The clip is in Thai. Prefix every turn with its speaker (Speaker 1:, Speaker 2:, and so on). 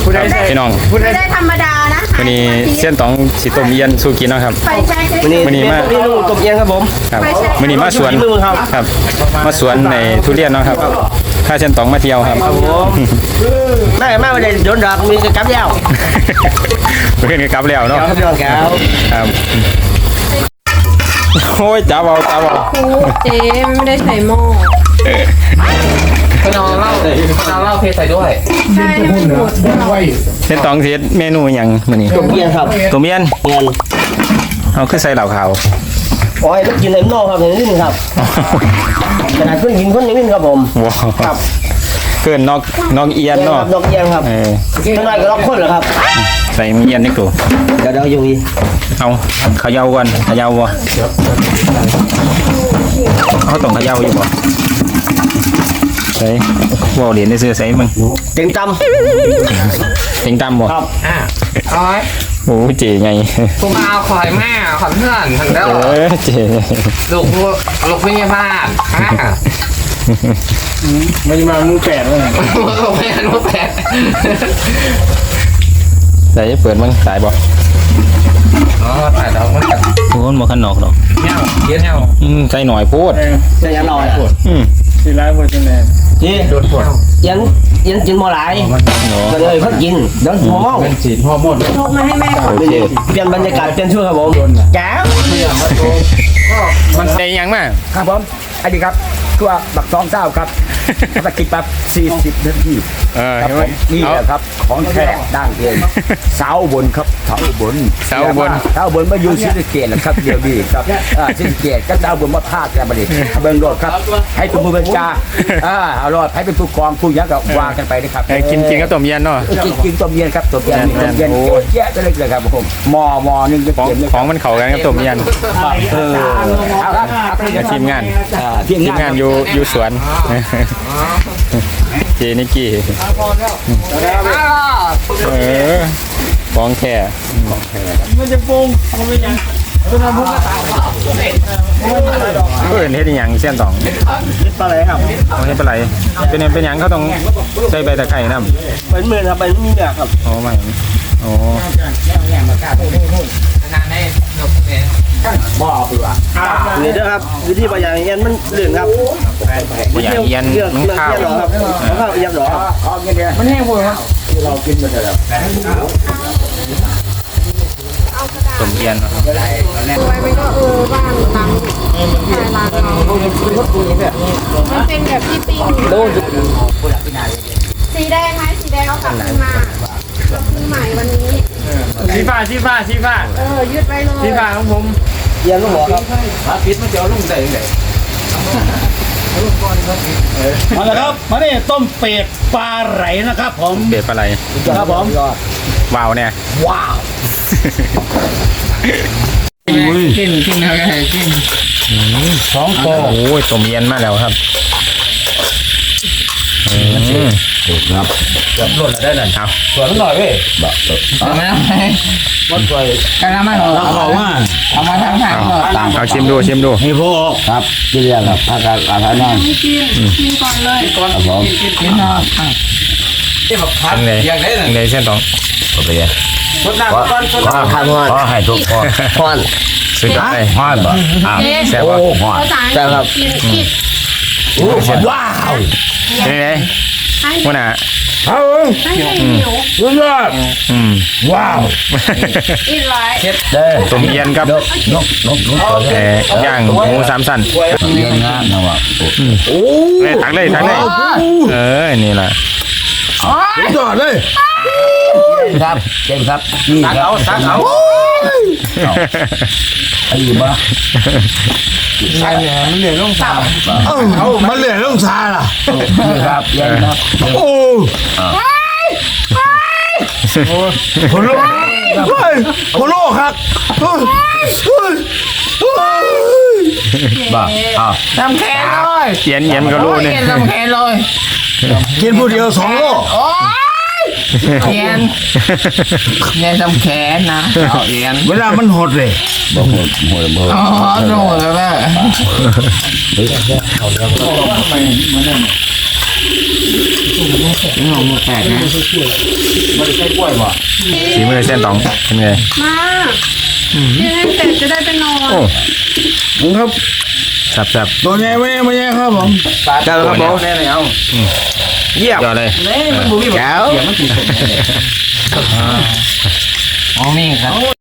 Speaker 1: พี่น้อง
Speaker 2: ไม่ได้ธรรมดานะ
Speaker 1: วันนี้เส้นตองสีต้มเย็นสู้กินนะครับ
Speaker 3: วันนี้มาต้มเย็นครับผม
Speaker 1: ครับวันนี้มาสวนครับมาสวนในทุเรียนนะครับถ้าเส้นตองมาเที่ยวครับ
Speaker 3: ได้มาวันนี้โดนดอกมีกระกับยาว
Speaker 1: เพื่อนกับแล้วเนาะครับโอ้ยจับเอา
Speaker 2: เจ๊ไม่ได้ใส่หม้อ
Speaker 4: น้องเล่าเทใส่ด้วย
Speaker 2: ใช่ไม่หมด
Speaker 1: เส้นตองเสียเมนูอย่างมันนี่
Speaker 3: ต้มเย็นครับ
Speaker 1: ต้มเย็นเอาขึ้นใส่เหล่าขาว
Speaker 3: โอ้ยกินเอ็มโน่ครับอย่างนี้ครับขนาดเพิ่งกินคนนี้ครับผม
Speaker 1: ครับเกินนอกเอียนเนาะ
Speaker 3: นอกเอียนครับข้างในก็ล็อกคนเหรอครับ
Speaker 1: ใส่เอียนนี่ตัว
Speaker 3: เดี๋ยวอยู่อี
Speaker 1: เอาขยาวก่อนขยาวบ่เขาต้องขยาวอยู่บ่ใส่บ่เหรียญได้ซื้อใส่มึง
Speaker 3: เต็งต
Speaker 1: ำบ่
Speaker 3: ครับ
Speaker 1: โอ้เจ๋ไง
Speaker 4: ผมเอาคอยแม่ขอนเพื่อนทันเด้อ
Speaker 1: เจ๋
Speaker 4: ลูกพยาบาล
Speaker 3: ไม่มามือแปดเลย
Speaker 4: ลูกพยาบาลมือแปด
Speaker 1: ใส่เปิดมึงสายบ่
Speaker 4: ถ่ายดอกมันกัน
Speaker 1: โอ้มันขันนอกดอก
Speaker 4: เงี้ยเงี้ย
Speaker 1: ใส่หน่อยพูด
Speaker 3: ใส่ยันลอยพูด
Speaker 1: สีร้ายพูดจังเลย
Speaker 3: นี่โดนปวดยันกินบ่หลายก็เลยเพิ่งกินโดนท้อง
Speaker 4: เป็นฉีดฮอร์โมน
Speaker 2: โทรมาให้แม่ก่อน
Speaker 3: เปลี่ยนบรรยากาศเปลี่ยนชื่อครับผมแจ๋ว
Speaker 1: มันได้ยังมาก
Speaker 3: ครับผมอันนี้ครับตัวบักซองเจ้าครับภารกิจแบบ40 นาทีครับผมนี่แหละครับของแท้ดั้งเดิมสาวบนครับสาวบนมาอยู่ศรีสะเกษนะครับเดี๋ยวดีครับศรีสะเกษก็ดาวบนมาพาดกันมาดิเบิ่งรถครับให้เป็นผู้บัญชาเอารอดให้เป็นผู้กองผู้ยักษ์ก็วางกันไปนะครับ
Speaker 1: กินก็ต้มเย็นเนาะ
Speaker 3: กินต้มเย็นครับต้มเย็นแยะก็เลยครับผมมอนึงจะเปลี่ยน
Speaker 1: ของมันเข่ากันครับต้มเย็น
Speaker 3: เอาครับ
Speaker 1: ทีมงานอยู่สวนเจนิกี้ของแค่มันจะปรุงมันเป็นยังเฮ็ดยังเส้นตอง
Speaker 3: ปลาไหลครับ
Speaker 1: เฮ็ดปลาไหลเป็นยังเขาต้องใส่ใบตะไคร้น้
Speaker 3: ำเป็นเหมือนครับเป็นมีเนี่ยครับ
Speaker 1: อ๋อไม่อ๋อ
Speaker 3: บ่เอาไปว่ะนี่นะครับวิธีปลาอย่างเงี้ยมันเหลืองครับ
Speaker 1: ปลาอย่างเงี้ยน้ำข้าว
Speaker 3: ครับข้าวเยี่ยมหรอมันแห้งหมดครับเรากินมาเถอะ
Speaker 1: ต้มเย็นนะครับ
Speaker 2: ไปมันก็บ้างตังใช่ร้านเรามันเป็นแบบที่ปิ้งสีแดงไหมสีแดงเอากลับขึ้นมาขึ้นใหม่วันนี้
Speaker 1: ชีฟ้ายืดไว้เลยชีฟ้าของผม
Speaker 3: เยี่ยมลูกหมอครับ
Speaker 4: พิษมันจะเอาลุ่มได้ยังไง
Speaker 5: มาแล้วครับมาเนี่ยต้มเป็ดปลาไหลนะครับผม
Speaker 1: เป็ดปลาไหล
Speaker 3: ครับผม
Speaker 1: ว้าวเนี่ย
Speaker 3: ว้าว
Speaker 4: กินอะไรกิน
Speaker 1: 2 ตัวโอ้ยต้มเย็นมาแล้วครับ
Speaker 3: ครับจับรถได้หน่อยครับส่วนหน่อยเว้ย
Speaker 4: ทำไม
Speaker 3: วัดสวย
Speaker 4: กันแล้วมาหรอ
Speaker 5: เราว่า
Speaker 4: เอามาทำทาง
Speaker 1: เอาชิมดู
Speaker 5: นี่พวก
Speaker 3: ครับกินเรียงครับอากาศนั่น
Speaker 2: กินก่อนเลย
Speaker 3: ครับผม
Speaker 4: กินนอน
Speaker 1: ที่แบบพันเลยอย่างไรเส้นตอง
Speaker 3: โอเคก็ทำงานก็ให้ทุกคนพอน
Speaker 1: สุดยอดเลย
Speaker 3: พอนบ่
Speaker 1: แซ่บ
Speaker 3: พอนแซ่บครับว้าว
Speaker 1: นี่ไงวันน่ะ
Speaker 3: สุดยอดว้าว
Speaker 2: อีกไร
Speaker 1: ต้มเย็นครับย่างหมู3 สั้น
Speaker 3: เย็นงานนะวะ
Speaker 1: โอ้ตักเลยนี่แหละ
Speaker 3: สุดยอดเลยครับเก่งครับนี่ครับ
Speaker 4: ตักเอา
Speaker 3: ไอ้บ้า
Speaker 4: ใช่เนี่ยมันเหลือลงซา
Speaker 5: มันเหลือลงซาล่ะ
Speaker 3: ครับเย็นครับ
Speaker 5: โอ้โหโลโหโลครับ
Speaker 3: บ้า
Speaker 4: น้ำแข็งเลย
Speaker 1: เย็นก็รู้เนี่ย
Speaker 4: น้ำแข็งเลย
Speaker 5: กินผู้เดียว2 โล
Speaker 4: เย็นน้ำแข็งนะเย็น
Speaker 5: เวลามันหดเลย
Speaker 3: บอกหด
Speaker 4: อ๋อโดนแล้วแม่มือแปดนะ
Speaker 1: ฝีมือเส้นตองเป็นไง
Speaker 2: มากินให้เสร็จจะได้ไปนอน
Speaker 1: โอ้
Speaker 5: ผมครับ
Speaker 1: แซ่บ
Speaker 5: ตัวใหญ่ไม่ใหญ่ครับผม
Speaker 3: เจ้าครับผมเยี่ยม
Speaker 1: ๆยอดเลย
Speaker 3: แก้ว
Speaker 4: อ๋อมีครับ